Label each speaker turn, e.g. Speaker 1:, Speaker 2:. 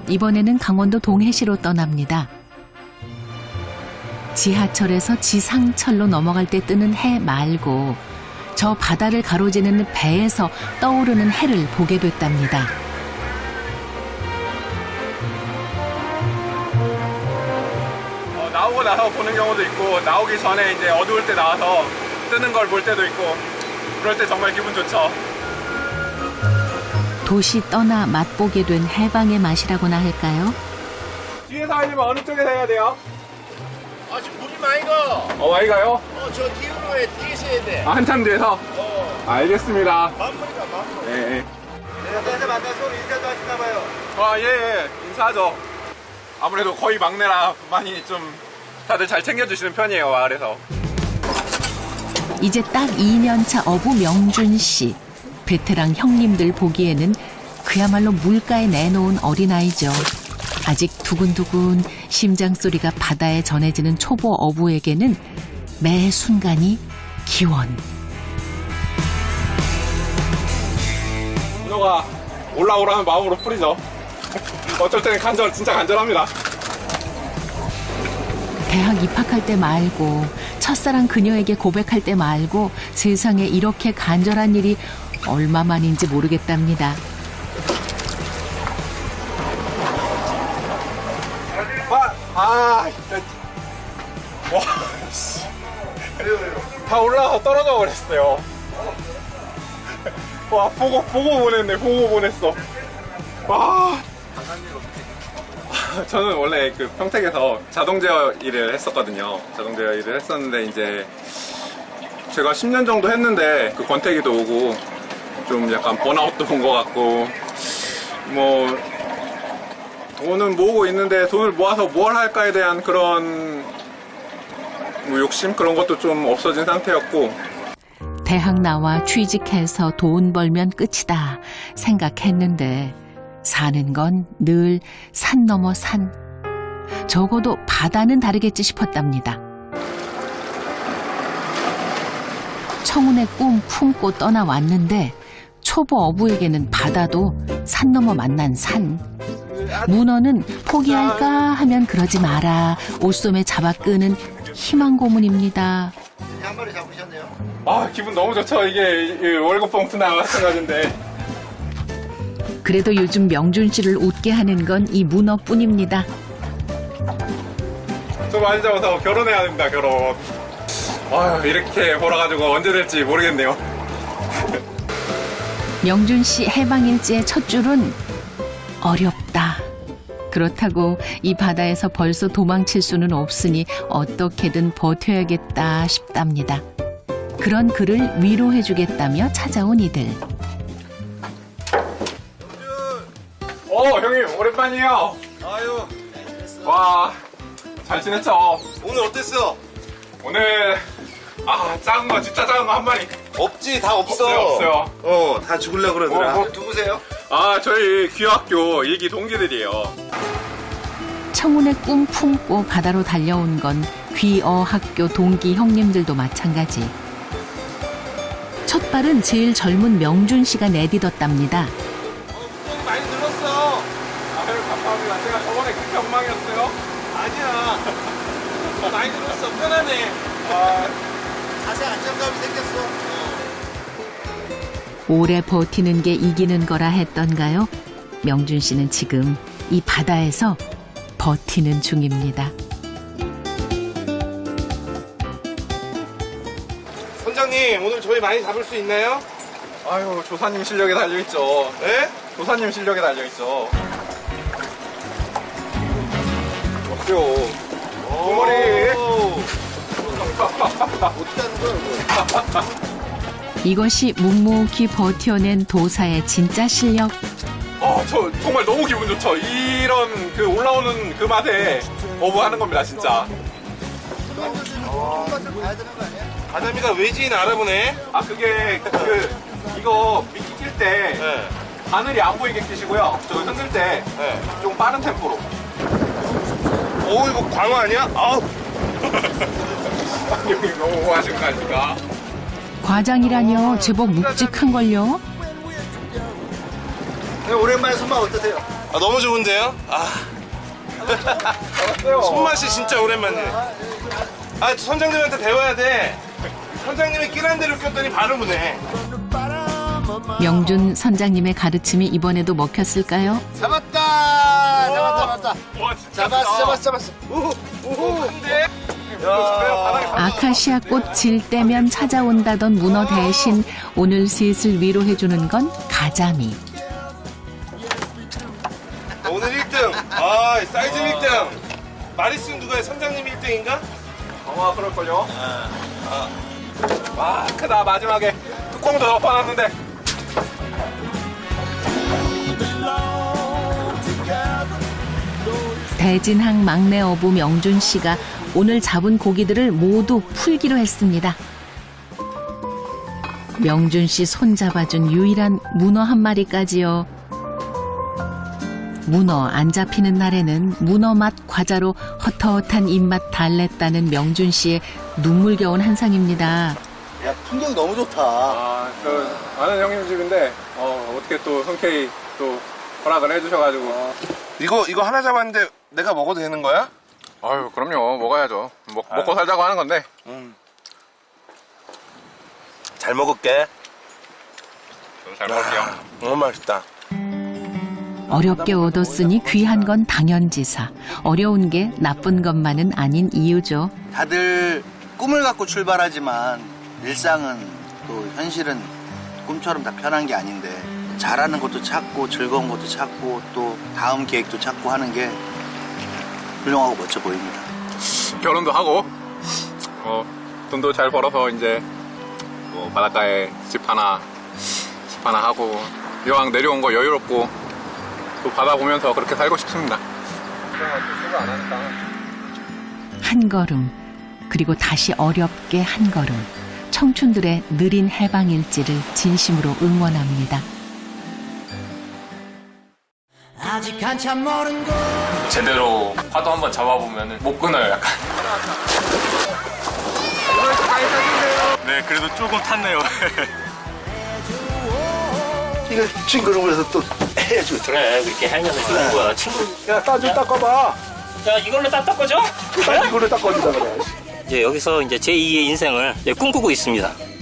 Speaker 1: 이번에는 강원도 동해시로 떠납니다. 지하철에서 지상철로 넘어갈 때 뜨는 해 말고 저 바다를 가로지르는 배에서 떠오르는 해를 보게 됐답니다.
Speaker 2: 나오고 나서 보는 경우도 있고 나오기 전에 이제 어두울 때 나와서 뜨는 걸 볼 때도 있고 그럴 때 정말 기분 좋죠.
Speaker 1: 도시 떠나 맛보게 된 해방의 맛이라고나 할까요?
Speaker 2: 뒤에서 하려면 어느 쪽에서 해야 돼요?
Speaker 3: 아, 지금 물이 많이 가.
Speaker 2: 많이 가요?
Speaker 3: 저 뒤로 해, 뒤에서 해야 돼.
Speaker 2: 한참 뒤에서? 알겠습니다.
Speaker 3: 만물이다, 만물.
Speaker 2: 예.
Speaker 3: 내가 만나서 인사도 하시나 봐요.
Speaker 2: 예. 인사하죠. 아무래도 거의 막내라 많이 좀 다들 잘 챙겨주시는 편이에요, 마을에서.
Speaker 1: 이제 딱 2년차 어부 명준 씨. 베테랑 형님들 보기에는 그야말로 물가에 내놓은 어린아이죠. 아직 두근두근 심장 소리가 바다에 전해지는 초보 어부에게는 매 순간이 기원.
Speaker 2: 문어가 올라오라는 마음으로 풀이죠. 어쩔 때는 진짜 간절합니다.
Speaker 1: 대학 입학할 때 말고 첫사랑 그녀에게 고백할 때 말고 세상에 이렇게 간절한 일이 얼마만인지 모르겠답니다.
Speaker 2: 와, 다 올라가서 떨어져 버렸어요. 와, 보고 보냈어. 와. 저는 원래 그 평택에서 자동 제어 일을 했었거든요. 자동 제어 일을 했었는데 이제 제가 10년 정도 했는데 그 권태기도 오고 좀 약간 번아웃도 온 것 같고 뭐 돈은 모으고 있는데 돈을 모아서 뭘 할까에 대한 그런 뭐 욕심 그런 것도 좀 없어진 상태였고
Speaker 1: 대학 나와 취직해서 돈 벌면 끝이다 생각했는데 사는 건 늘 산 넘어 산. 적어도 바다는 다르겠지 싶었답니다. 청운의 꿈 품고 떠나왔는데 초보 어부에게는 바다도 산 넘어 만난 산. 문어는 포기할까 하면 그러지 마라. 옷소매 잡아 끄는 희망 고문입니다.
Speaker 3: 한 마리 잡으셨네요.
Speaker 2: 기분 너무 좋죠. 이게 월급 봉투나 마찬가지인데
Speaker 1: 그래도 요즘 명준 씨를 웃게 하는 건 이 문어뿐입니다.
Speaker 2: 저 많이 잡아서 결혼해야 됩니다. 결혼. 이렇게 벌어가지고 언제 될지 모르겠네요.
Speaker 1: 명준 씨 해방일지의 첫 줄은 어렵다. 그렇다고 이 바다에서 벌써 도망칠 수는 없으니 어떻게든 버텨야겠다 싶답니다. 그런 그를 위로해주겠다며 찾아온 이들.
Speaker 2: 형님 오랜만이에요.
Speaker 3: 아유,
Speaker 2: 와, 잘 지냈죠?
Speaker 3: 오늘 어땠어?
Speaker 2: 오늘 작은 거 진짜 작은 거 한 마리.
Speaker 3: 없지, 다 없어.
Speaker 2: 없어요.
Speaker 3: 다 죽으려고 그러더라. 누구세요?
Speaker 2: 저희 귀학교 일기 동기들이에요.
Speaker 1: 청운의 꿈 품고 바다로 달려온 건 귀어학교 동기 형님들도 마찬가지. 첫 발은 제일 젊은 명준 씨가 내딛었답니다.
Speaker 3: 좀 많이 늘었어.
Speaker 2: 감사합니다. 제가 저번에 그렇게 엉망이었어요?
Speaker 3: 아니야. 많이 늘었어. 편하네. 자세 안정감이 생겼어.
Speaker 1: 오래 버티는 게 이기는 거라 했던가요? 명준 씨는 지금 이 바다에서 버티는 중입니다.
Speaker 3: 선장님, 오늘 저희 많이 잡을 수 있나요?
Speaker 2: 조사님 실력에 달려있죠.
Speaker 3: 네?
Speaker 2: 조사님 실력에 달려있죠. 없죠. 머리.
Speaker 3: 어떻게 하는 거야, 이거?
Speaker 1: 이것이 묵묵히 버텨낸 도사의 진짜 실력.
Speaker 2: 저 정말 너무 기분 좋죠. 이런 그 올라오는 그 맛에 어부하는 겁니다, 진짜.
Speaker 3: 맛을 봐야 되는 거 아니야? 가자미가 외지인 알아보네.
Speaker 2: 그게 이거 미끼 낄 때
Speaker 3: 네.
Speaker 2: 바늘이 안 보이게 끼시고요. 저 흔들 때 좀 빠른 템포로.
Speaker 3: 이거 광어 아니야?
Speaker 2: 여기 너무 하신 거 아닙니까?
Speaker 1: 과장이라뇨. 제법 묵직한걸요.
Speaker 3: 오랜만에 손맛 어떠세요? 아, 너무 좋은데요? 아. 손맛이 진짜 오랜만이네. 아, 선장님한테 배워야 돼. 선장님이 끼란 대로 꼈더니 바로 무네.
Speaker 1: 명준 선장님의 가르침이 이번에도 먹혔을까요?
Speaker 4: 잡았다. 잡았다.
Speaker 3: 와, 진짜
Speaker 4: 잡았어.
Speaker 3: 근데
Speaker 1: 아카시아 꽃 질 때면 찾아온다던 문어 대신 오늘 슬슬 위로해주는 건 가자미.
Speaker 3: 오늘 1등. 아, 사이즈 1등. 마리스는 누가 해? 선장님 1등인가?
Speaker 2: 아마 그럴걸요? 와, 크다. 마지막에 뚜껑도 덮어놨는데.
Speaker 1: 대진항 막내 어부 명준 씨가 오늘 잡은 고기들을 모두 풀기로 했습니다. 명준 씨 손 잡아준 유일한 문어 한 마리까지요. 문어 안 잡히는 날에는 문어 맛 과자로 헛헛한 입맛 달랬다는 명준 씨의 눈물겨운 한상입니다.
Speaker 4: 야, 풍경이 너무 좋다.
Speaker 2: 아, 아는 형님 집인데, 어떻게 또 흔쾌히 또 허락을 해주셔가지고.
Speaker 3: 이거 하나 잡았는데 내가 먹어도 되는 거야?
Speaker 2: 아유, 그럼요. 먹어야죠. 먹고 살자고 하는 건데.
Speaker 3: 잘 먹을게.
Speaker 2: 저도 잘 먹을게요.
Speaker 3: 너무 맛있다.
Speaker 1: 어렵게 얻었으니 귀한 건 당연지사. 어려운 게 나쁜 것만은 아닌 이유죠.
Speaker 4: 다들 꿈을 갖고 출발하지만 일상은 또 현실은 꿈처럼 다 편한 게 아닌데 잘하는 것도 찾고 즐거운 것도 찾고 또 다음 계획도 찾고 하는 게 훌륭하고 멋져 보입니다.
Speaker 2: 결혼도 하고, 돈도 잘 벌어서 이제, 뭐 바닷가에 집 하나 하고, 이왕 내려온 거 여유롭고, 또 바다 보면서 그렇게 살고 싶습니다.
Speaker 1: 한 걸음, 그리고 다시 어렵게 한 걸음. 청춘들의 느린 해방일지를 진심으로 응원합니다.
Speaker 5: 아직 한참 멀은 곳
Speaker 6: 제대로 파도 한번 잡아보면 못 끊어요, 약간. 네, 그래도 조금 탔네요.
Speaker 4: 이거 친구를 위해서 또 해야지.
Speaker 7: 그래 그렇게 하면서 좋은 거야 친구.
Speaker 4: 야, 따 좀 닦아봐.
Speaker 7: 야 이걸로 딱 닦아줘?
Speaker 4: 이걸로 닦아주자 그래.
Speaker 7: 이제 여기서 이제 제2의 인생을 이제 꿈꾸고 있습니다.